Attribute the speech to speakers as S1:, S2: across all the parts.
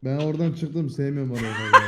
S1: Ben oradan çıktım, sevmiyorum orayı fazla.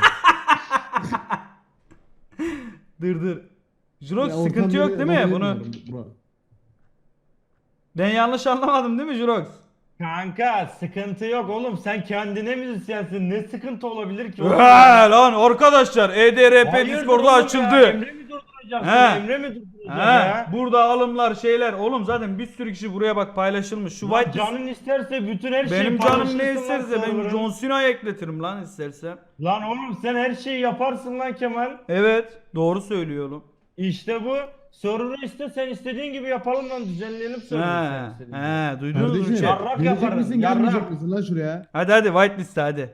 S2: Dur. Jurox
S1: Ya
S2: sıkıntı yok değil mi? Bunu
S1: Bura.
S2: ben yanlış anlamadım değil mi Jurox?
S3: Kanka sıkıntı yok oğlum, sen kendine müzisyensin, ne sıkıntı olabilir ki oğlum
S2: Lan
S3: ya?
S2: arkadaşlar EDRP
S3: Hayırdır
S2: Discord'u
S3: oğlum ya?
S2: açıldı.
S3: Emre mi durduracak
S2: He.
S3: seni? Emre mi durduracak ya?
S2: Burada alımlar şeyler. Oğlum zaten bir sürü kişi buraya bak paylaşılmış. Şu
S3: Lan
S2: white list
S3: canın isterse bütün her şeyi
S2: benim canım
S3: paylaşırsın
S2: ne
S3: lan
S2: isterse ben
S3: server'ın.
S2: John Cena'ya ekletirim lan istersen.
S3: Lan oğlum sen her şeyi yaparsın lan Kemal.
S2: Evet doğru söylüyorum.
S3: İşte bu. Server'ı iste, sen istediğin gibi yapalım lan, düzenleyelim server'ı sen istediğin gibi.
S2: Duydunuz mu
S1: Kardeşim,
S2: chat?
S3: Yarrak
S1: gelecek
S3: yaparım,
S1: misin,
S3: yarrak.
S1: gelmeyecek misin lan şuraya?
S2: Hadi white list hadi.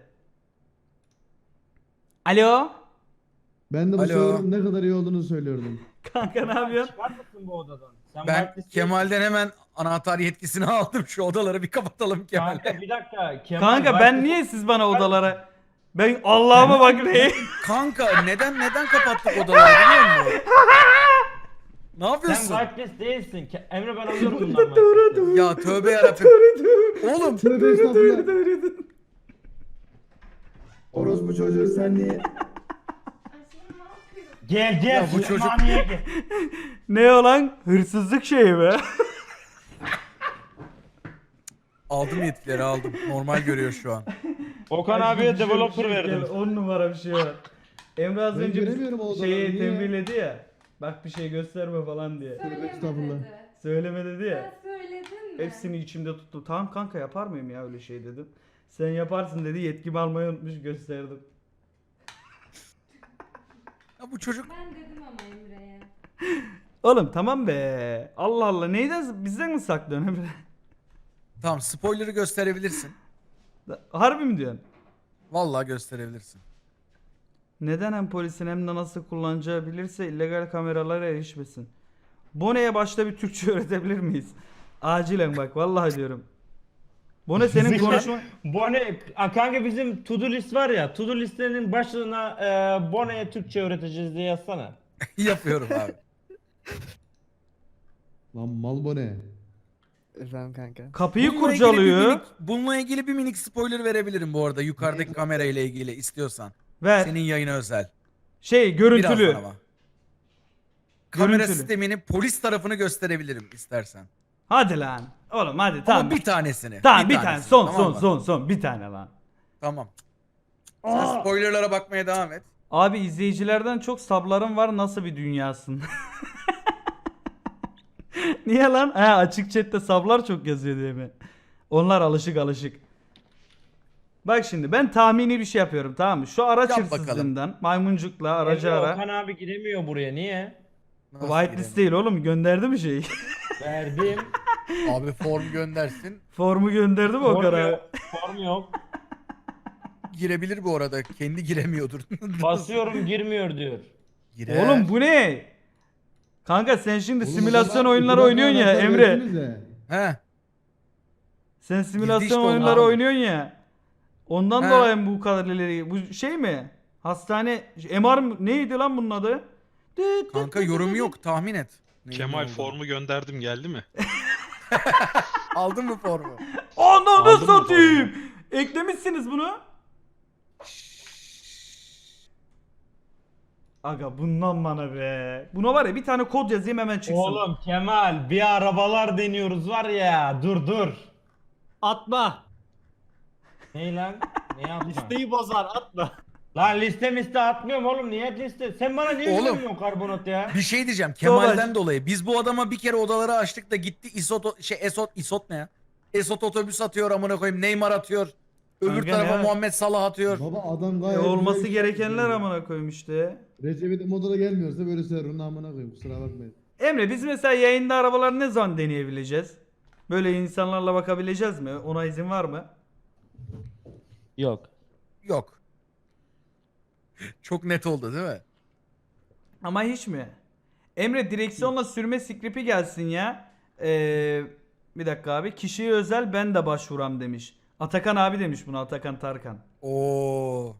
S2: Alo.
S1: Ben de bu
S4: Alo.
S1: server'ın ne kadar iyi olduğunu söylüyordum.
S2: Kanka ne yapıyorsun?
S3: Çıkar mısın bu odadan? Sen
S4: Ben
S3: whitelist
S4: Kemal'den hemen anahtar yetkisini aldım. Şu odaları bir kapatalım
S3: değilsin.
S4: Kemal'e.
S3: Kanka bir dakika. Kemal
S2: Kanka ben
S3: whitelist-
S2: niye siz bana odalara... Ben Allah'ıma bak ne?
S4: Kanka neden kapattık odaları biliyor musun? Ne
S3: Sen
S4: yapıyorsun?
S3: whitelist değilsin. Emre ben alıyorum bundan whitelist'i.
S4: Ya tövbe yarabbim. Oğlum
S1: Tövbe estağfurullah. Orospu çocuğu sen niye?
S3: Gel
S4: Ya bu
S3: bu
S4: çocuk-
S3: gel.
S2: Ne o lan? Hırsızlık şeyi be.
S4: aldım yetkileri aldım. Normal görüyor şu an.
S3: Okan abiye developer verdim.
S2: 10 numara bir şey var. Emre az
S1: Ben
S2: önce
S1: göremiyorum o odaları,
S2: şeyi
S1: niye?
S2: tembihledi ya. Bak bir şey gösterme falan diye.
S1: Estağfurullah.
S2: Söyleme dedi ya.
S5: Sen söyledin mi?
S2: Hepsini içimde tuttu. Tamam kanka yapar mıyım ya öyle şey dedim. Sen yaparsın dedi. Yetkimi almayı unutmuş gösterdim.
S4: Ya bu çocuk
S5: Ben dedim ama Emre'ye.
S2: Oğlum tamam be. Allah Allah neyden bizden mi saklıyorsun Emre?
S4: tamam spoiler'ı gösterebilirsin.
S2: Harbi mi diyorsun?
S4: Vallahi gösterebilirsin.
S2: Neden hem polisin hem de nasıl kullanacağı bilirse illegal kameralara erişmesin. Bone'ye başta bir Türkçe öğretebilir miyiz? Acilen bak vallahi diyorum. Bone senin konuşma...
S3: Bone, kanka bizim to do list var ya, to do listenin başlığına Bone'ye Türkçe öğreteceğiz diye yazsana.
S4: Yapıyorum abi.
S1: Lan mal bu ne?
S6: Efendim kanka.
S2: Kapıyı
S4: Bununla ilgili
S2: kurcalıyor.
S4: bununla ilgili bir minik spoiler verebilirim bu arada yukarıdaki kamera ile ilgili istiyorsan.
S2: Ver.
S4: Senin yayına özel.
S2: Şey görüntülü.
S4: Birazdan ama. Kamera
S2: Görüntülü.
S4: sistemini polis tarafını gösterebilirim istersen.
S2: Hadi lan. Oğlum hadi
S4: Ama
S2: tamam.
S4: bir tanesini.
S2: Tamam bir tane
S4: tanesini,
S2: son
S4: tamam
S2: son
S4: mı?
S2: son bir tane lan.
S4: Tamam. Sen spoilerlara bakmaya devam et.
S2: Abi izleyicilerden çok sablarım var nasıl bir dünyasın? Niye lan? He açık chatte sablar çok yazıyor diye mi? Onlar alışık. Bak şimdi ben tahmini bir şey yapıyorum tamam mı? Şu araç
S4: Yap bakalım.
S2: hırsızlığından maymuncukla aracı
S3: Emre,
S2: ara.
S3: Okan abi giremiyor buraya, niye?
S4: Nasıl
S2: Whitelist
S4: giremiyorum?
S2: değil oğlum gönderdi mi şeyi?
S3: Verdim.
S4: Abi form göndersin.
S2: Formu gönderdi mi o
S3: Form
S2: kadar?
S3: yok. Form yok.
S4: Girebilir bu arada. Kendi giremiyordur.
S3: Basıyorum girmiyor diyor.
S4: Girer.
S2: Oğlum bu ne? Kanka sen şimdi
S1: Oğlum,
S2: simülasyon
S1: o zaman
S2: oyunları
S1: iki
S2: oynuyorsun ya
S1: dakika
S2: Emre.
S1: versenize.
S4: He.
S2: Sen simülasyon
S4: işte onlar
S2: oyunları
S4: abi.
S2: oynuyorsun ya. Ondan
S4: He.
S2: dolayı mı bu kadar ileri? Bu şey mi? Hastane MR mı? Neydi lan bunun adı?
S4: Kanka yorum yok. Tahmin et. Neyin ne
S7: Kemal
S4: olduğunu.
S7: formu gönderdim geldi mi?
S4: Aldın mı formu?
S2: Ananı
S7: Aldın mı
S2: satayım. Eklemişsiniz bunu. Aga bundan bana be. Buna var ya bir tane kod yazayım hemen çıksın.
S3: Oğlum Kemal, bir arabalar deniyoruz var ya, dur.
S8: Atma.
S3: Ney lan? Ne yapma?
S8: Listeyi bozar atma.
S3: Lan liste atmıyorum oğlum, niye liste? Sen bana niye
S4: Oğlum.
S3: güvenmiyorsun karbonat ya?
S4: Bir şey diyeceğim. Kemal'den
S2: Savaş.
S4: dolayı biz bu adama bir kere odaları açtık da gitti Esot ne ya? Esot otobüs atıyor amına koyayım. Neymar atıyor. Öbür
S2: Kanka
S4: tarafa
S2: ne?
S4: Muhammed Salah atıyor.
S1: Baba adam gayet
S2: Olması
S1: güzel
S2: gerekenler
S1: iş
S2: amına koyayım işte.
S1: Recep İvedik moduna gelmiyorsa böyle server'ın amına koyayım, kusura bakmayın.
S2: Emre biz mesela yayında arabaları ne zaman deneyebileceğiz? Böyle insanlarla bakabileceğiz mi? Ona izin var mı?
S3: Yok.
S4: Yok. Çok net oldu değil mi?
S2: Ama hiç mi? Emre direksiyonla sürme skripi gelsin ya. Bir dakika abi. Kişiye özel ben de başvuram demiş. Atakan abi demiş buna, Atakan Tarkan.
S4: Oo.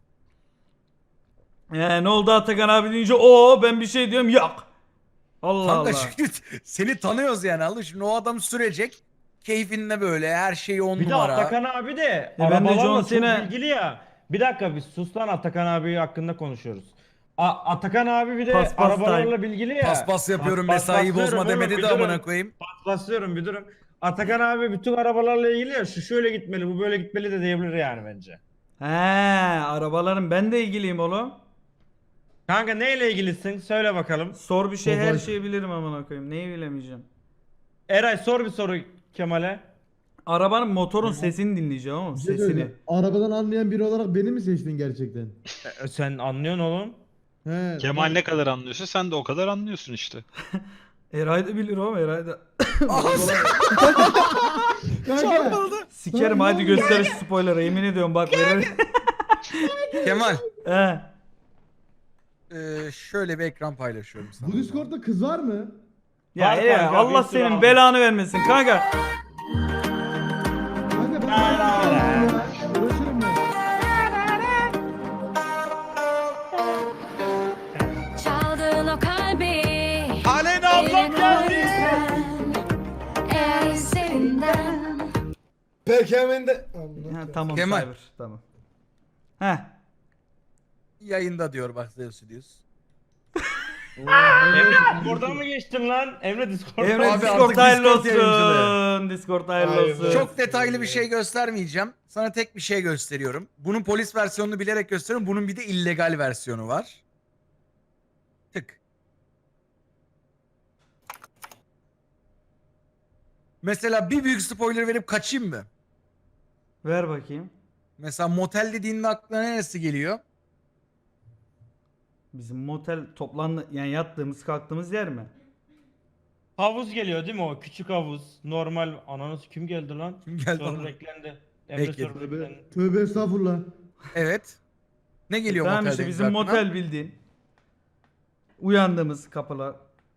S2: Ne oldu Atakan abi deyince o ben bir şey diyorum yok. Allah
S4: Kanka
S2: Allah.
S4: şimdi seni tanıyoruz yani. Allah şimdi o adam sürecek. Keyfinde böyle her şeyi on
S3: Bir de
S4: numara.
S3: Atakan abi de
S2: ben de
S3: arabalarla
S2: John
S3: çok
S2: Cena-
S3: bilgili ya. Bir dakika biz sus lan, Atakan abi hakkında konuşuyoruz. Atakan abi bir de
S2: Paspas
S3: arabalarla
S2: time.
S3: bilgili ya.
S4: Paspas yapıyorum
S3: Pas-
S4: mesaiyi
S3: paslıyorum
S4: bozma
S3: oğlum,
S4: demedi
S3: bir
S4: de
S3: durun.
S4: amına koyayım.
S3: Paslıyorum bir durum. Atakan abi bütün arabalarla ilgili ya, şu şöyle gitmeli, bu böyle gitmeli de diyebilir yani bence.
S2: He, arabaların ben de ilgiliyim oğlum.
S3: Kanka neyle ilgilisin? Söyle bakalım.
S2: Sor bir şey, her
S1: Tofaş.
S2: şeyi bilirim amına koyayım. Neyi bilemeyeceğim.
S3: Eray sor bir soru Kemal'e.
S2: Arabanın motorun sesini dinleyeceğim ama
S1: Bir şey
S2: sesini.
S1: söyleyeceğim. Arabadan anlayan biri olarak beni mi seçtin gerçekten?
S3: Sen anlıyorsun oğlum.
S1: He.
S7: Kemal ne kadar anlıyorsa sen de o kadar anlıyorsun işte.
S2: Eray da bilir oğlum, Eray da.
S1: Kanka.
S2: Sikerim,
S1: Lan
S2: hadi
S1: ne
S2: göster şu spoiler'ı, yemin ediyorum bak verir.
S4: Kemal
S2: He.
S4: şöyle bir ekran paylaşıyorum sana.
S1: Bu Discord'da kız var mı?
S2: Ya
S3: Var
S2: Eray,
S3: kanka,
S2: Allah
S3: bir sürü
S2: senin
S3: aldım.
S2: belanı vermesin kanka.
S1: Kanka ben uğraşırım ben.
S5: Çaldığın o kalbi.
S3: Aleyna ablam geldi.
S5: Eğer üzerinden.
S9: Peki hemen de...
S2: Ha, tamam
S4: Kemal.
S2: Cyber, tamam. Heh.
S4: Yayında diyor bak Zeus diyoruz.
S3: Emre Discord'dan mı geçtin lan? Emre Discord'dan.
S2: Emre
S4: Abi
S2: Discord
S4: artık
S2: hayırlı
S4: Discord
S2: olsun.
S4: yayıncılığı.
S2: Discord hayırlı
S9: Hayırlı
S2: olsun.
S9: olsun.
S4: Çok detaylı bir şey göstermeyeceğim. Sana tek bir şey gösteriyorum. Bunun polis versiyonunu bilerek gösteriyorum. Bunun bir de illegal versiyonu var. Tık. Mesela bir büyük spoiler verip kaçayım mı?
S2: Ver bakayım.
S4: Mesela motel dediğinde aklına neresi geliyor?
S2: Bizim motel toplandı, yani yattığımız kalktığımız yer mi?
S3: Havuz geliyor değil mi o? Küçük havuz. Normal. Ananız kim geldi lan?
S4: Kim geldi
S3: Soru
S4: lan?
S3: beklendi. Emre
S4: Bekle.
S3: soru beklendi.
S1: Tövbe estağfurullah.
S4: Evet. Ne geliyor
S2: Tamam
S4: motel
S2: işte
S4: deyince
S2: bizim
S4: aklına?
S2: motel bildiğin. Uyandığımız kapılar.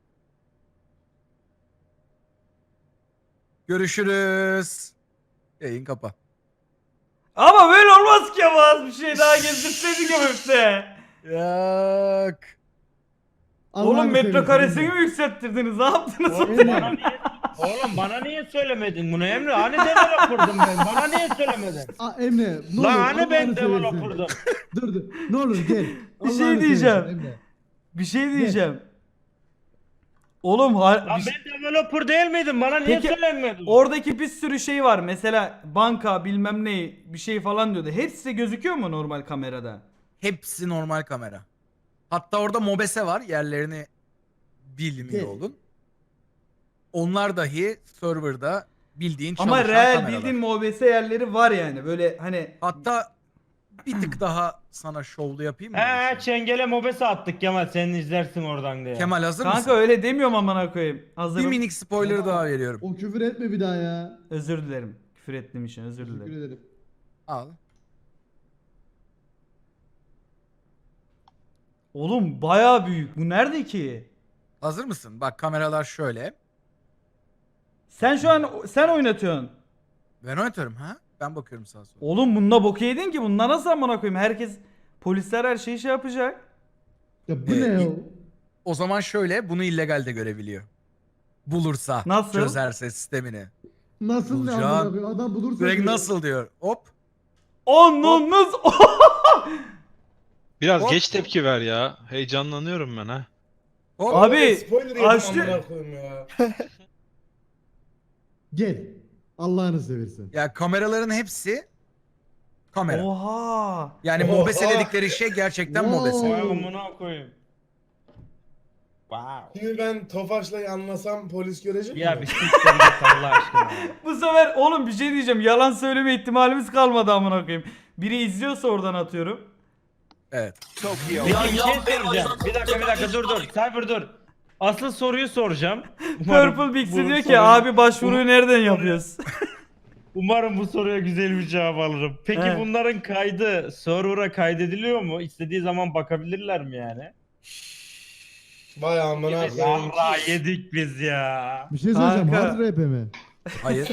S4: Görüşürüz. Yayın kapa.
S2: Ama böyle olmaz ki, ama az bir şey daha gezdirseydik ya işte.
S4: Yok.
S2: Oğlum
S1: Allah'ını
S2: metrekaresini
S1: seversen.
S2: mi yükselttirdiniz? Ne yaptınız?
S3: Oğlum bana niye, oğlum bana niye söylemedin bunu Emre? Hani developer'dım ben. Bana niye söylemedin?
S1: Aa, Emre ne olur
S3: Lan hani ben
S1: Allah'ını seversen.
S3: developer'dım?
S1: Dur. Ne olur gel.
S2: Bir şey
S1: Allah'ını
S2: diyeceğim.
S1: seversen Emre.
S2: Bir şey diyeceğim. Oğlum
S3: Lan
S2: bir şey-
S3: ben developer değil miydim? Bana niye
S2: Peki,
S3: söylemedin?
S2: oradaki bir sürü şey var. Mesela banka bilmem ne bir şey falan diyordu. Hepsi de gözüküyor mu normal kamerada?
S4: Hepsi normal kamera. Hatta orada mobese var. Yerlerini bilmiyor
S1: Gel.
S4: olun. Onlar dahi serverda bildiğin çalışan
S2: Ama real
S4: kameralar.
S2: bildiğin MOBS yerleri var yani. Böyle hani
S4: Hatta bir tık daha sana şovlu yapayım mı?
S3: He çengele mobese attık Kemal, sen izlersin oradan diye.
S4: Kemal hazır
S2: kanka
S4: mısın?
S2: öyle demiyorum amına koyayım.
S4: Bir
S2: Hazırım.
S4: minik spoiler daha veriyorum.
S1: O küfür etme bir daha ya.
S2: Özür dilerim. Küfür ettiğim için özür
S1: Teşekkür
S2: dilerim.
S1: ederim.
S4: Al.
S2: Oğlum bayağı büyük. Bu nerede ki?
S4: Hazır mısın? Bak kameralar şöyle.
S2: Sen şu an sen oynatıyorsun.
S4: Ben oynatırım ha? Ben bakıyorum sağa sola.
S2: Oğlum bununla bok yedin ki. Bununla nasıl amına koyayım? Herkes, polisler her şeyi şey yapacak.
S1: Ya bu
S4: Ee,
S1: ne ya?
S4: O zaman şöyle bunu illegal de görebiliyor. Bulursa.
S2: Nasıl?
S4: Çözerse sistemini.
S1: Nasıl ne
S4: Bulacağım.
S1: amına koyayım? Adam bulursa
S4: Direkt
S1: diyor.
S4: nasıl diyor. Hop.
S2: Onunuz.
S7: Biraz
S4: Hop.
S7: geç tepki ver ya. Heyecanlanıyorum ben ha.
S4: Hop.
S2: Abi
S9: Spoiler yedim
S2: açtı.
S9: amına koyayım ya.
S1: Gel. Allah'ını seversen.
S4: Ya kameraların hepsi kamera.
S2: Oha.
S4: Yani
S9: Oha.
S4: mobese dedikleri şey gerçekten
S1: Wow.
S4: mobese.
S3: Vay amına koyayım. Wow.
S9: Şimdi ben Tofaş'la anlasam polis görecek
S3: Ya
S9: mi?
S3: bir siktir git Allah aşkına.
S2: Bu sefer oğlum bir şey diyeceğim. Yalan söyleme ihtimalimiz kalmadı amına koyayım. Biri izliyorsa oradan atıyorum.
S4: Evet.
S3: Peki bir şey soracağım. Bir dakika dur. Cyber dur. Asıl soruyu soracağım.
S2: Purple Bix'i
S3: bu
S2: diyor ki
S3: soruyu-
S2: abi başvuruyu nereden yapıyoruz?
S3: Umarım bu soruya güzel bir cevap alırım. Peki
S2: He.
S3: bunların kaydı server'a kaydediliyor mu? İstediği zaman bakabilirler mi yani?
S9: Vay amına koyayım.
S3: Yarra yedik biz ya.
S1: Bir şey söyleyeceğim.
S2: Kanka.
S1: Hard rap mi?
S4: Hayır.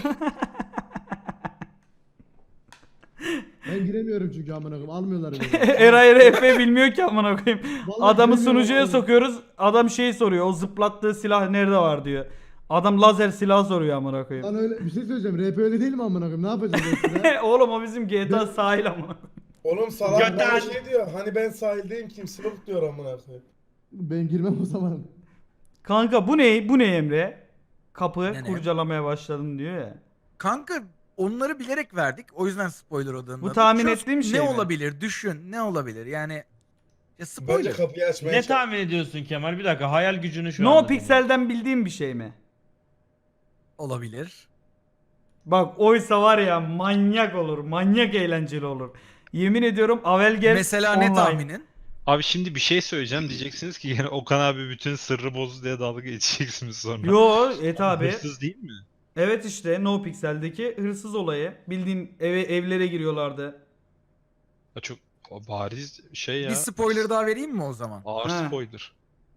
S1: Ben giremiyorum çünkü amına koyayım. Almıyorlar beni.
S2: Eray RP bilmiyor ki amına koyayım.
S1: Vallahi
S2: Adamı
S1: bilmiyorum
S2: sunucuya
S1: abi.
S2: sokuyoruz. Adam şey soruyor. O zıplattığı silah nerede var diyor. Adam lazer silah soruyor amına koyayım.
S1: Lan öyle bir şey söyleyeceğim. Rap öyle değil mi amına koyayım? Ne yapacağız ekstra?
S2: Oğlum o bizim GTA sahil amına.
S9: Oğlum salak
S3: Götten-
S9: bana şey diyor. Hani ben sahildeyim kimse yok diyor amına koyayım.
S1: Ben girmem o zaman.
S2: Kanka bu ne? Bu ne Emre? Kapı
S4: Ne?
S2: kurcalamaya başladım diyor ya.
S4: Kanka onları bilerek verdik. O yüzden spoiler odağında.
S2: Bu tahmin ettiğim şey
S4: Ne
S2: mi?
S4: olabilir? Düşün. Ne olabilir? Yani ya
S9: Bence
S4: spoiler.
S9: kapıyı açmaya
S3: Ne
S9: çalış.
S3: tahmin ediyorsun Kemal? Bir dakika hayal gücünü şu
S2: No
S3: anda
S2: Pixel'den bildiğim bir şey mi?
S4: Olabilir.
S2: Bak oysa var ya manyak olur. Manyak eğlenceli olur. Yemin ediyorum Avelgers
S4: Mesela
S2: online.
S4: ne tahminin?
S7: Abi şimdi bir şey söyleyeceğim diyeceksiniz ki yine Okan abi bütün sırrı bozdu diye dalga geçeceksiniz sonra.
S2: Yo et abi.
S7: Hırsız değil mi?
S2: Evet işte No Pixel'deki hırsız olayı. Bildiğin evlere giriyorlardı.
S7: Ya çok bariz şey ya.
S4: Bir spoiler daha vereyim mi o zaman?
S7: Ağır
S2: Ha.
S7: spoiler.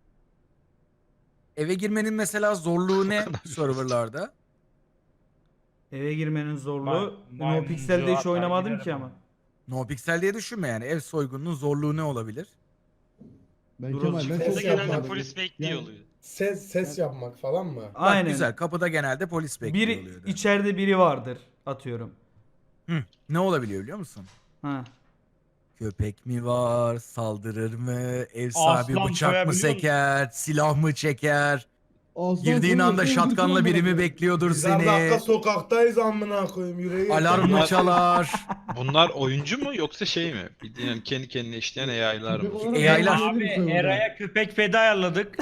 S4: Eve girmenin mesela zorluğu ne serverlarda?
S2: Eve girmenin zorluğu. No
S3: maymuncu
S2: Pixel'de hiç
S3: atar
S2: oynamadım
S3: girerim
S2: ki
S3: ben.
S2: ama.
S4: No Pixel diye düşünme yani. Ev soygununun zorluğu ne olabilir?
S1: Ben
S2: Dur
S1: Kemal
S2: oğlum,
S1: ben
S9: ses
S1: çok
S9: yapma.
S1: yapmadım.
S7: polis bekliyor
S1: Yani-
S7: oluyor.
S9: Ses yapmak falan mı?
S4: Bak
S2: Aynen.
S4: güzel. Kapıda genelde polis bekliyor
S2: Biri
S4: oluyor.
S2: içeride biri vardır atıyorum.
S4: Ne olabiliyor biliyor musun?
S2: Ha.
S4: Köpek mi var? Saldırır mı? Ev sahibi
S3: Aslan
S4: bıçak mı
S3: soyabiliyor musun?
S4: seker? Silah mı çeker?
S1: Aslan
S4: Girdiğin
S1: sonra
S4: anda
S1: öldürsün
S4: şatkanla biri mi
S1: amına
S4: bekliyordur
S9: Bizler dakika
S4: seni?
S9: sokaktayız amına koyayım yüreği.
S4: Alarm mı çalar?
S7: Bunlar oyuncu mu yoksa şey mi? Bildiğin yani kendi kendine işleyen AI'lar mı?
S1: Köpek olarak
S4: AI'lar.
S1: ben
S3: Abi
S1: söyledim serverda.
S3: Eray'a köpek feda ayarladık.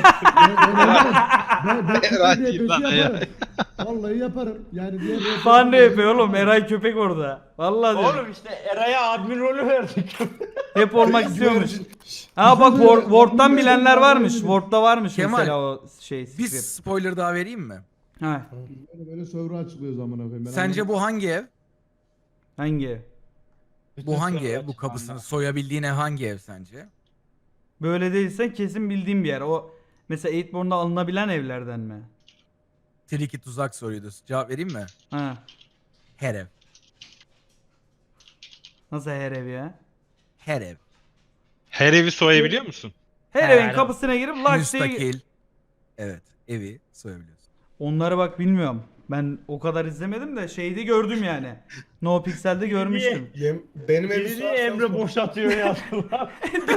S1: Ben
S7: Eray
S1: köpek diye
S7: değil lan,
S1: peşi yaparım. Vallahi yaparım. Yani diğer
S2: Fan ne yapıyor oğlum? Eray köpek orada. Vallahi diyorum.
S3: Oğlum işte Eray'a admin rolü verdik.
S2: Hep olmak istiyormuş.
S9: Güvercin.
S2: Ha bak Word'dan
S1: Bunu
S2: bilenler
S1: ben
S2: varmış.
S1: öğrendim.
S2: Word'da varmış
S4: Kemal,
S2: mesela o şey
S4: Bir
S2: script.
S4: spoiler daha vereyim mi?
S2: Ha.
S1: Böyle server'ı açıklıyoruz amına koyayım. Ben
S4: Sence bu hangi ev?
S2: Hangi ev?
S4: Bu hangi ev? Bu kapısını soyabildiğin ev hangi ev sence?
S2: Böyle değilse kesin bildiğim bir yer. O mesela 8born'da alınabilen evlerden mi?
S4: Tricky tuzak soruydu. Cevap vereyim mi?
S2: Ha.
S4: Her ev.
S2: Nasıl her ev ya?
S4: Her ev.
S7: Her evi soyabiliyor musun?
S2: Her
S3: Her
S2: evin
S3: ev.
S2: kapısına girip lak diye...
S4: Müstakil. Evet. Evi soyabiliyorsun.
S2: Onları bak bilmiyorum. Ben o kadar izlemedim de şeyde gördüm yani. No Pixel'de görmüştüm.
S9: Benim evi
S3: Bizi
S9: sorarsan
S3: Emre
S9: sor.
S3: boşatıyor yazdılar.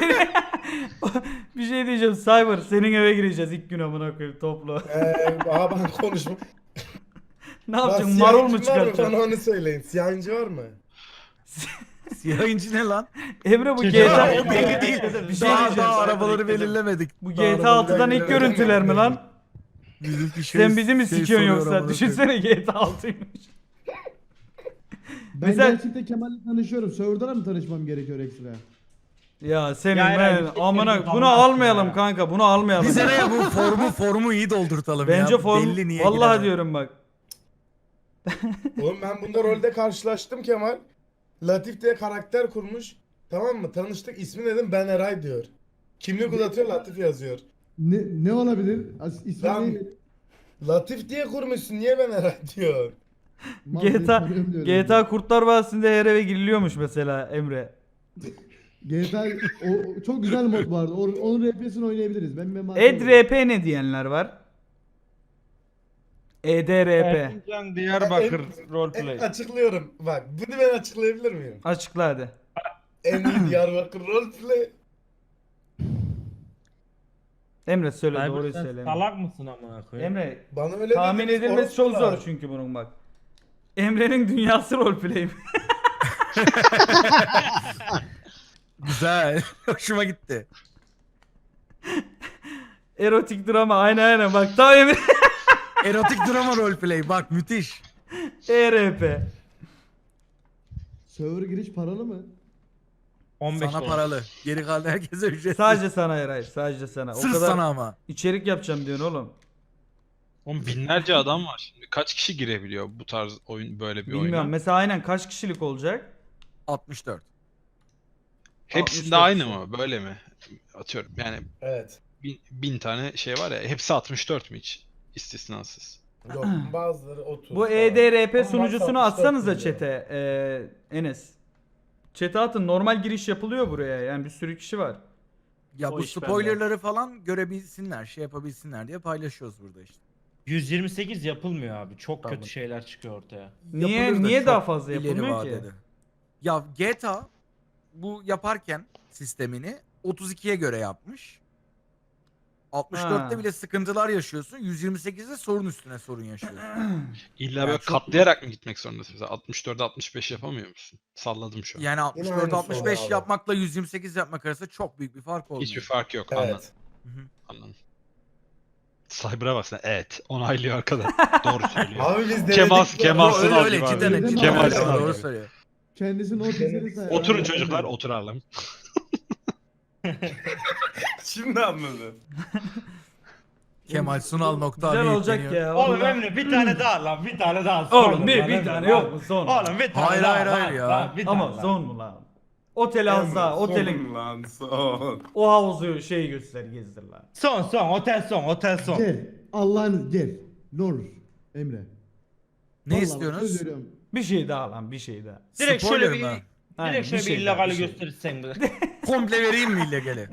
S2: Bir şey diyeceğim Cyber senin eve gireceğiz ilk gün amına koyayım toplu.
S9: Aha ben konuşma.
S2: Ne
S9: Bak,
S2: yapacaksın? Marul mu
S9: siyahincin var mı?
S2: çıkartacaksın?
S9: Bana onu söyleyin. Siyahincı var mı?
S4: Siyah inci ne lan?
S2: Emre bu
S3: Çocuğa
S2: GTA...
S3: o belli değil.
S2: Bir şey
S4: Daha
S2: diyeceğim.
S4: arabaları belirlemedik.
S2: Bu
S4: Daha
S2: GTA
S4: arabaları
S2: 6'dan ilk
S9: belirlemedik.
S2: görüntüler mi lan?
S4: Bizimki
S2: Sen bizi mi sikiyorsun
S4: soruyor
S2: yoksa?
S4: amına koyayım.
S2: Düşünsene GTA 6'ymış.
S1: Ben
S2: Mesela-
S1: gerçekten Kemal'le tanışıyorum. Server'da mı tanışmam gerekiyor ekstra?
S2: Ya senin
S3: Ya Eray,
S2: ben
S3: bir tek
S2: amına
S3: bir
S2: bunu
S3: damla
S2: almayalım
S3: ya.
S2: kanka bunu almayalım.
S4: Biz nereye bu formu iyi doldurtalım ya.
S2: Bence form
S4: Belli niye
S2: vallahi
S4: giremem.
S2: diyorum bak.
S9: Oğlum ben bunda rolde karşılaştım Kemal. Latif diye karakter kurmuş. Tamam mı? Tanıştık. İsmi dedim Ben Eray diyor. Kimlik uzatıyor Latif yazıyor.
S1: Ne olabilir? İsmi
S9: Lan,
S1: ne?
S9: Latif diye kurmuşsun. Niye Ben Eray diyor?
S1: Mal diye
S2: GTA
S1: tanıyorum diyorum.
S2: GTA Kurtlar Vadisi'nde her eve giriliyormuş mesela Emre.
S1: GTA o çok güzel mod vardı. Onun RP'sini oynayabiliriz. Ben
S2: EDRP ne diyenler var? EDRP.
S3: Erzincan Diyarbakır roleplay.
S9: Açıklıyorum. Bak bunu ben açıklayabilir miyim?
S2: Açıkla hadi.
S9: En iyi Diyarbakır roleplay.
S2: Emre söyle
S3: Cyber,
S2: doğruyu
S3: sen
S2: söyle. Emre.
S3: salak mısın amına koyayım?
S2: Emre
S9: Bana öyle
S2: tahmin
S9: dediniz,
S2: edilmesi çok
S9: orospular.
S2: zor çünkü bunun bak. Emre'nin dünyası roleplay.
S4: Güzel. Hoşuma gitti.
S2: Erotik drama aynen bak tam Emre.
S4: Erotik drama roleplay. Bak müthiş.
S2: ERP.
S1: Server giriş paralı mı?
S3: 15
S4: Sana
S3: dolar.
S4: paralı. Geri kalan herkese ücretsiz.
S2: Sadece sana Eray sadece sana.
S4: Sırf
S2: o kadar
S4: sana ama.
S2: içerik yapacağım diyorsun oğlum.
S7: Oğlum binlerce adam var şimdi. Kaç kişi girebiliyor bu tarz oyun böyle bir
S2: Bilmiyorum
S7: oyuna?
S2: mesela aynen kaç kişilik olacak?
S4: 64.
S7: Hepsinde
S2: 64
S7: aynı
S2: kişi.
S7: mı? Böyle mi? Atıyorum yani
S9: Evet.
S7: bin tane şey var ya. Hepsi 64 mü hiç? İstisnasız.
S9: Yok bazıları 30.
S2: Bu
S9: falan.
S2: EDRP
S9: Ama
S2: sunucusunu
S9: WhatsApp
S2: atsanıza
S9: istiyor.
S2: chat'e Enes. Chat'e atın normal giriş yapılıyor buraya yani bir sürü kişi var.
S4: Ya
S8: O
S4: bu
S8: iş bende.
S4: spoilerları falan görebilsinler, şey yapabilsinler diye paylaşıyoruz burada işte.
S3: 128 yapılmıyor abi. Çok
S9: Tamam.
S3: kötü şeyler çıkıyor ortaya.
S2: Niye-
S4: Yapılır da
S2: niye
S4: çok
S2: daha fazla
S4: ileri
S2: yapılmıyor ki?
S4: vadede. Ya GTA bu yaparken sistemini 32'ye göre yapmış. 64'te
S2: Ha.
S4: bile sıkıntılar yaşıyorsun. 128'de sorun üstüne sorun yaşıyorsun.
S7: İlla
S4: Yani
S7: böyle
S4: çok-
S7: katlayarak mı gitmek zorundasın? Mesela 64'e 65 yapamıyor musun? Salladım şu an.
S4: Yani
S9: Yine
S4: 64-65
S9: aynısı abi.
S4: yapmakla 128 yapmak arasında çok büyük bir fark olmuyor.
S7: Hiçbir fark yok. Anladım.
S9: Evet.
S4: Hı hı.
S7: Anladım. Cyber'a bak sen. Evet. Onaylıyor arkada. Doğru söylüyor.
S9: Abi biz denedik.
S7: Kemal
S9: bu
S7: Kemal
S9: arada.
S4: Öyle
S7: Sunal
S4: öyle
S7: gibi
S4: cidden
S7: abi.
S1: Kemal
S4: cidden öyle,
S7: Sunal
S4: doğru
S7: gibi.
S4: söylüyor.
S1: Kendisinin o sesini say.
S7: Oturun çocuklar oturalım.
S9: Şimdi anladım.
S4: Kemal Sunal nokta
S2: Güzel
S4: abi
S2: olacak
S4: yükleniyor.
S2: ya.
S3: Oğlum
S2: vallahi.
S3: Emre bir tane daha lan, bir tane daha.
S2: Oğlum
S3: Son
S2: bir
S3: lan, Emre,
S2: tane
S3: lan.
S2: yok mu son?
S3: Oğlum bir tane
S4: Hayır,
S3: daha.
S4: hayır,
S3: lan,
S4: hayır ya.
S3: lan, bir tane
S2: Ama
S3: lan.
S2: son mu lan? Otel az daha. Otelin
S9: Son son.
S2: o havuzu şey göster gezdir lan.
S3: Son, otel son, otel son.
S1: Gel. Allah'ınız gel. Ne olur. Emre.
S4: Ne
S1: Vallahi
S4: istiyorsunuz?
S1: söz veriyorum.
S2: Bir şey daha lan bir şey daha.
S3: Direkt
S4: Spoiler
S3: şöyle bir,
S4: mı?
S2: Aynen,
S3: direkt şöyle bir
S2: şey daha,
S3: illegali
S2: bir şey.
S3: gösterirsen.
S4: Komple vereyim mi illegali?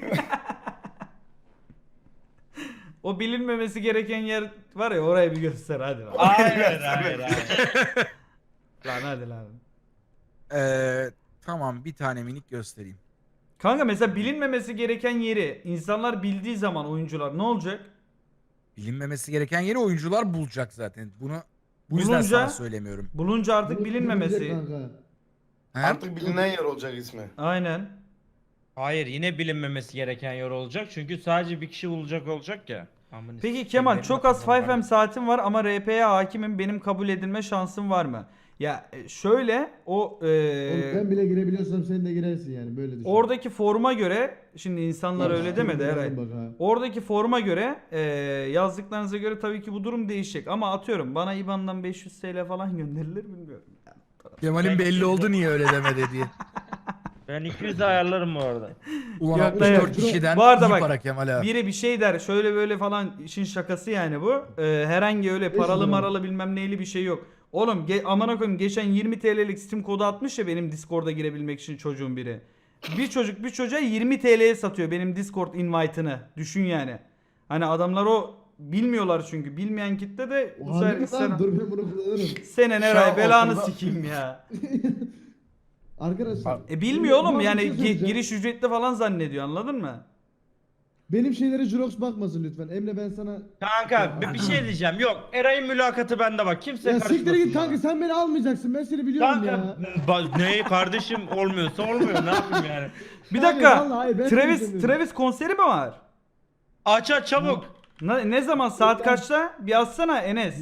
S2: O bilinmemesi gereken yer var ya orayı bir göster hadi lan.
S3: Hayır, hayır.
S2: Lan hadi lan.
S4: Tamam bir tane minik göstereyim.
S2: Kanka mesela bilinmemesi gereken yeri insanlar bildiği zaman oyuncular ne olacak?
S4: Bilinmemesi gereken yeri oyuncular bulacak zaten. Bunu bu yüzden
S2: Bulunca-
S4: sana söylemiyorum.
S2: Bulunca artık
S1: Bunu
S2: bilinmemesi.
S1: bilecek kanka.
S4: He?
S9: Artık bilinen yer olacak ismi.
S2: Aynen.
S3: Hayır, yine bilinmemesi gereken yer olacak. Çünkü sadece bir kişi bulacak olacak ya. Amına
S2: Peki
S3: sikeyim,
S2: Kemal
S3: benim
S2: çok az
S3: aklımdan
S2: 5M saatim var ama RP'ye hakimim, benim kabul edilme şansım var mı? Ya şöyle o
S1: Oğlum ben bile girebiliyorsam sen de girersin yani böyle düşün.
S2: oradaki forma göre şimdi insanlar
S1: Ya,
S2: öyle demedi
S1: siktir
S2: herhalde.
S1: bak ha.
S2: Oradaki forma göre yazdıklarınıza göre tabii ki bu durum değişecek ama atıyorum bana IBAN'dan 500 TL falan gönderilir bilmiyorum.
S4: Kemal'in belli oldu niye öyle demedi diye.
S3: Ben 200 ayarlarım bu arada.
S4: Ulan
S2: Yok,
S4: 64
S1: yok.
S4: kişiden
S2: Bu arada
S4: iyi
S2: bak,
S4: para Kemal abi.
S2: Biri bir şey der şöyle böyle falan işin şakası yani bu. Herhangi öyle paralı
S1: lira.
S2: maralı bilmem neyli bir şey yok. Oğlum amına koyayım geçen 20 TL'lik Steam kodu atmış ya benim Discord'a girebilmek için çocuğun biri. Bir çocuk bir çocuğa 20 TL'ye satıyor benim Discord invite'ını. Düşün yani. Hani adamlar o bilmiyorlar çünkü. Bilmeyen kitle de bu
S1: Harbi mi
S2: sefer
S1: lan? Dur ben bunu kullanırım.
S2: senin
S9: Şu
S2: Eray
S9: an
S2: belanı
S9: okulda-
S2: sikeyim ya.
S1: Arkadaşlar.
S2: Bilmiyor oğlum
S1: Bana bir
S2: yani
S1: şey söyleyeceğim.
S2: giriş ücretli falan zannediyor anladın mı?
S1: Benim şeylere Jurox bakmasın lütfen. Emre ben sana...
S3: Kanka bir şey diyeceğim. Yok, Eray'ın mülakatı bende bak. Kimse
S1: Ya
S3: karışmasın.
S1: siktir git
S3: bana.
S1: kanka sen beni almayacaksın. Ben seni biliyorum
S3: Kanka
S1: ya.
S3: ne kardeşim olmuyorsa olmuyor. Ne yapayım yani?
S2: Bir
S1: Hayır,
S2: dakika.
S1: vallahi hayır, ben seni
S2: Travis
S1: istemiyorum.
S2: Travis konseri mi var?
S3: Aç çabuk.
S2: Ne zaman saat kaçta? Bir yazsana Enes.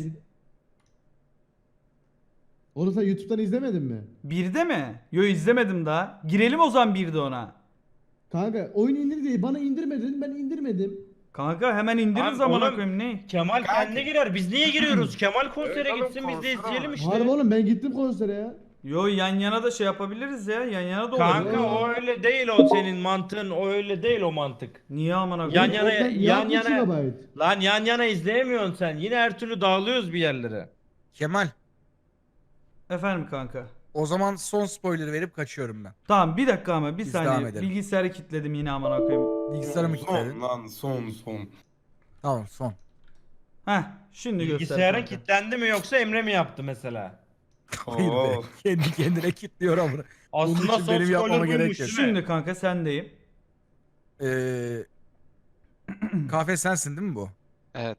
S1: Onu sen YouTube'dan izlemedin mi?
S2: 1'de mi? Yo izlemedim daha. Girelim o zaman 1'de ona.
S1: Kanka oyun indir diye bana indirme dedin ben indirmedim.
S2: Kanka hemen indiririz
S3: Abi,
S2: amına
S3: oğlum,
S2: koyayım ne?
S3: Kemal kendi girer. Biz niye giriyoruz? Kemal konsere
S9: Evet,
S3: gitsin
S9: oğlum,
S3: biz de
S9: konser
S3: izleyelim işte.
S1: Harbi oğlum ben gittim konsere ya.
S2: Yo yan yana da şey yapabiliriz ya. Yan yana da olur.
S3: Kanka o öyle değil o senin mantığın. O öyle değil o mantık.
S2: Niye amına
S3: Yan
S2: koyayım?
S3: yana
S1: Oradan
S3: yan
S1: yapmış
S3: yana.
S1: gigabyte.
S3: Lan yan yana izleyemiyorsun sen. Yine her türlü dağılıyoruz bir yerlere.
S4: Kemal
S2: Efendim kanka.
S4: o zaman son spoiler verip kaçıyorum ben.
S2: Tamam bir dakika ama bir
S4: Biz devam
S2: saniye.
S4: edelim.
S2: Bilgisayarı kilitledim yine amına koyayım.
S4: Bilgisayarımı
S9: Son
S4: kilitledin.
S9: lan son.
S4: Tamam son.
S2: Heh şimdi göster.
S3: Bilgisayarın
S2: kanka.
S3: kilitlendi mi yoksa Emre mi yaptı mesela?
S4: Hayır be.
S9: Oo.
S4: Kendi kendine kilitliyor ama. Bunun
S3: Aslında
S4: için
S3: son
S4: benim yapmama
S3: spoiler
S4: gerek
S3: buymuş
S4: yok.
S3: değil mi?
S2: Şimdi kanka sendeyim.
S4: Kahve sensin değil mi bu?
S7: Evet.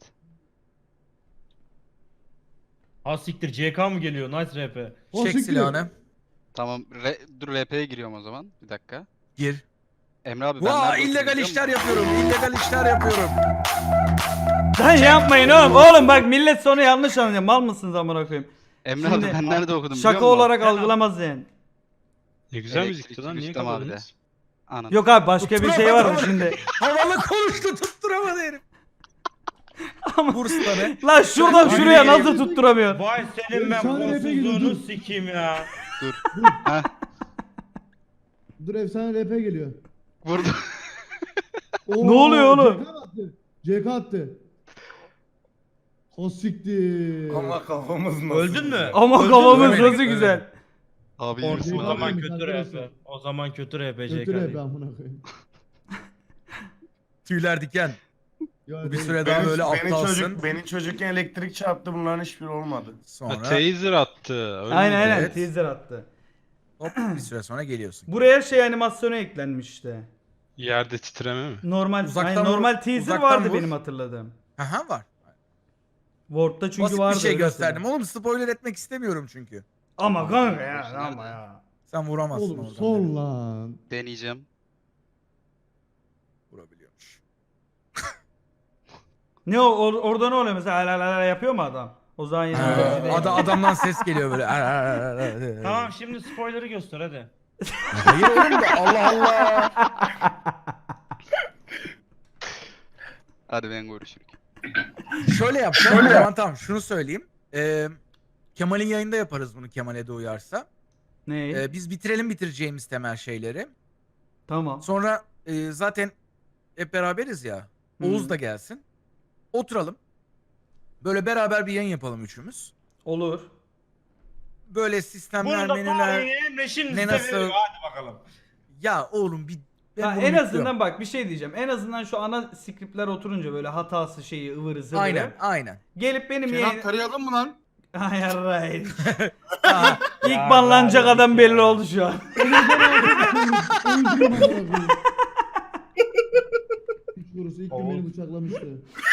S3: Ha siktir CK mı geliyor? Nice RP.
S1: O
S4: Çek
S1: siktir.
S4: silahını.
S10: Tamam. Dur RP'ye giriyorum o zaman. Bir dakika.
S4: Gir.
S10: Emre abi ben
S4: Vaa
S10: nerede
S4: illegal
S10: oturuyorum
S4: işler
S10: biliyor musun?
S4: yapıyorum. İllegal işler yapıyorum.
S2: Lan yapmayın oğlum. Oğlum bak millet sonu yanlış anlıyor. Mal mısınız amına koyayım?
S10: Emre
S2: Şimdi-
S10: abi ben nerede okudum biliyor
S2: Şaka
S10: musun?
S2: olarak algılamaz yani.
S7: Ne güzel
S10: Elektrik
S7: müzikti lan. Niye
S10: Rüstem abi de.
S7: kapadınız?
S10: Anladım.
S2: Yok abi başka bir şey var mı şimdi?
S4: Havalı konuştu tutturamadı herif. Burs'ta ne?
S2: Lan şuradan şuraya nasıl tutturamıyor?
S3: Vay senin ben
S1: Efsane RP geliyor,
S3: kolsuzluğunu
S1: dur.
S3: sikeyim ya.
S10: Heh,
S1: Dur efsane RP geliyor.
S10: vurdu.
S1: Oo,
S2: Ne oluyor oğlum?
S1: CK attı. CK attı. O siktir.
S9: Ama kafamız nasıl?
S3: Öldün mü?
S2: Ama
S3: Öldün
S2: kafamız
S3: mü?
S2: nasıl güzel.
S10: Abi
S3: O
S10: yürüsün
S1: Orada-
S10: adam.
S3: zaman
S1: Arkadaşlar.
S3: kötü RP. O zaman kötü RP
S1: Kötü
S3: CK
S1: RP
S3: değil.
S1: amına koyayım.
S4: Tüyler diken.
S1: Ya
S4: Bu bir
S1: değil.
S4: süre daha böyle aptalsın.
S9: Beni çocukken elektrik çarptı bunların hiçbiri olmadı.
S7: Ha,
S4: Sonra
S7: taser attı. Öyle
S2: Aynen
S7: miydi?
S2: aynen
S4: Evet.
S2: teaser attı.
S4: Hop bir süre sonra geliyorsun.
S2: Buraya şey animasyonu eklenmiş işte.
S7: Yerde titreme mi?
S2: Normal
S4: Uzaktan
S2: normal
S4: vur,
S2: teaser
S4: uzaktan
S2: vardı
S4: vur.
S2: benim hatırladığım.
S4: Aha var.
S2: Word'da çünkü
S4: Basit
S2: vardı.
S4: bir şey
S2: öyle
S4: gösterdim.
S2: söyleyeyim.
S4: Oğlum spoiler etmek istemiyorum çünkü.
S2: Ama kanka ya
S10: Nerede?
S2: ama ya.
S4: Sen vuramazsın
S1: Oğlum
S4: oradan.
S1: son
S4: beni.
S1: lan.
S10: Deneyeceğim.
S4: Vurabiliyormuş.
S2: Ne orada ne oluyor mesela la yapıyor mu adam? O zaman yine
S4: Adamdan ses geliyor böyle.
S3: Tamam şimdi spoiler'ı göster hadi.
S4: Hayır oğlum da Allah Allah.
S10: Hadi ben görüşürüm.
S4: Şöyle yapacağım. Tamam şunu söyleyeyim. Kemal'in yayında yaparız bunu Kemal'e de uyarsa.
S2: Ne?
S4: Biz bitireceğimiz temel şeyleri.
S2: Tamam.
S4: Sonra zaten hep beraberiz ya. Oğuz da gelsin. Oturalım. Böyle beraber bir yayın yapalım üçümüz.
S2: Olur.
S4: Böyle sistemler,
S3: Bunu da
S4: menüler.
S3: tarihine Emre şimdi
S4: ne nasıl-
S3: veriyor. Hadi bakalım.
S4: Ya oğlum ben
S2: Ha,
S4: bunu
S2: en
S4: bekliyorum.
S2: azından bak bir şey diyeceğim. En azından şu ana scriptler oturunca böyle hatası şeyi ıvırı zıvırı.
S4: Aynen.
S2: Gelip benim
S9: Kenan
S2: yayın...
S9: tarayalım mı lan?
S2: Hayır hayır.
S4: Aa,
S2: İlk
S3: Ya,
S2: banlanacak
S3: ya,
S2: adam
S3: ya.
S2: belli oldu şu an.
S1: Üç kurusu ilk gün beni bıçaklamıştı.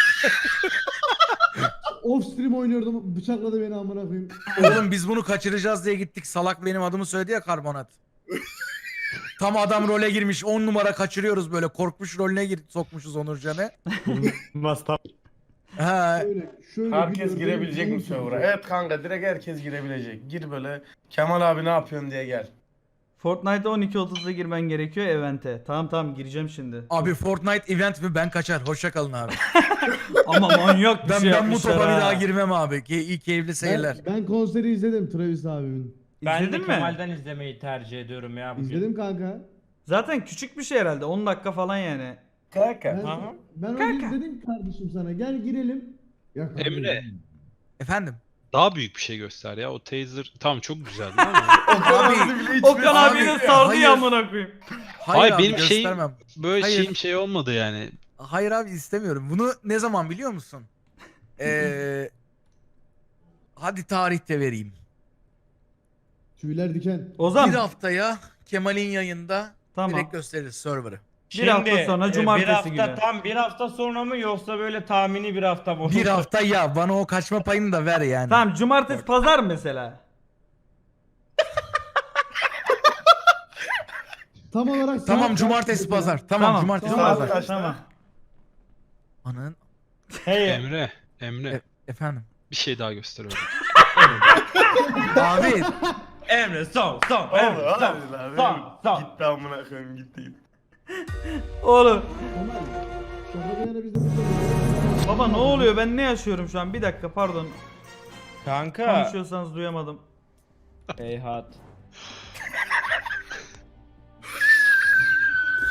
S1: Off stream oynuyordum bıçakladı beni amına koyayım.
S4: Oğlum biz bunu kaçıracağız diye gittik. Salak benim adımı söyledi ya karbonat. Tam adam role girmiş 10 numara kaçırıyoruz böyle korkmuş rolüne sokmuşuz Onurcan'ı. Ha,
S1: Şöyle
S9: Herkes
S1: gidiyor,
S9: girebilecek
S1: böyle
S9: mi server'a? Evet kanka direkt herkes girebilecek. Gir böyle Kemal abi ne yapıyorsun diye gel.
S2: Fortnite'a 12.30'da girmen gerekiyor event'e. Tamam gireceğim şimdi.
S4: abi Fortnite event mi ben kaçar. Hoşça kalın abi.
S2: Ama manyak bir
S4: Ben
S2: şey
S4: bu
S2: yapmışlar
S4: topa bir
S2: ha.
S4: daha girmem abi. İyi keyifli seyirler.
S1: Ben konseri izledim Travis abimin.
S3: Ben de
S2: İzledin mi?
S3: Kemal'den izlemeyi tercih ediyorum ya bugün.
S1: İzledim kanka.
S2: Zaten küçük bir şey herhalde. 10 dakika falan yani.
S9: Kanka.
S1: Ben,
S3: Aha.
S1: ben onu izledim kardeşim sana. Gel girelim. Ya kardeşim.
S7: Emre.
S4: Efendim.
S7: Daha büyük bir şey göster ya. O taser tamam çok güzeldi ama.
S4: Abi
S2: Okan
S4: Abi,
S2: abi de sardı
S4: hayır.
S2: ya amına koyayım.
S4: hayır abi,
S7: benim şeyim-
S4: göstermem.
S7: Böyle
S4: Hayır.
S7: şeyim şey olmadı yani.
S4: Hayır abi istemiyorum. Bunu ne zaman biliyor musun? Hadi tarihte vereyim.
S1: Tüyler diken.
S2: Ozan
S4: Bir haftaya Kemal'in yayında
S2: tamam.
S4: direkt gösteririz server'ı.
S2: Bir hafta sonra cumartesi
S3: bir hafta,
S2: günü.
S3: Tam bir hafta sonra mı yoksa böyle tahmini bir hafta mı?
S4: Bir hafta ya bana o kaçma payını da ver yani.
S2: Tamam cumartesi pazar mesela.
S1: Tam olarak
S4: Tamam
S1: saat
S4: cumartesi
S1: kaç?
S4: pazar. Tamam cumartesi
S1: Tamam.
S4: pazar.
S9: Kaçta?
S2: Tamam.
S4: Anın
S3: Hey,
S7: Emre
S4: efendim.
S7: bir şey daha göster öyle.
S4: Abi
S3: Emre son
S9: Oğlum
S3: Emre son.
S9: hadi lan.
S3: Son.
S9: Gitti amına koyayım gitti.
S2: Oğlum.
S1: Kemal, şaka bir yana biz de burada-
S2: Baba ne oluyor? Ben ne yaşıyorum şu an? Bir dakika pardon.
S3: Kanka.
S2: Konuşuyorsanız duyamadım.
S3: Hey hat.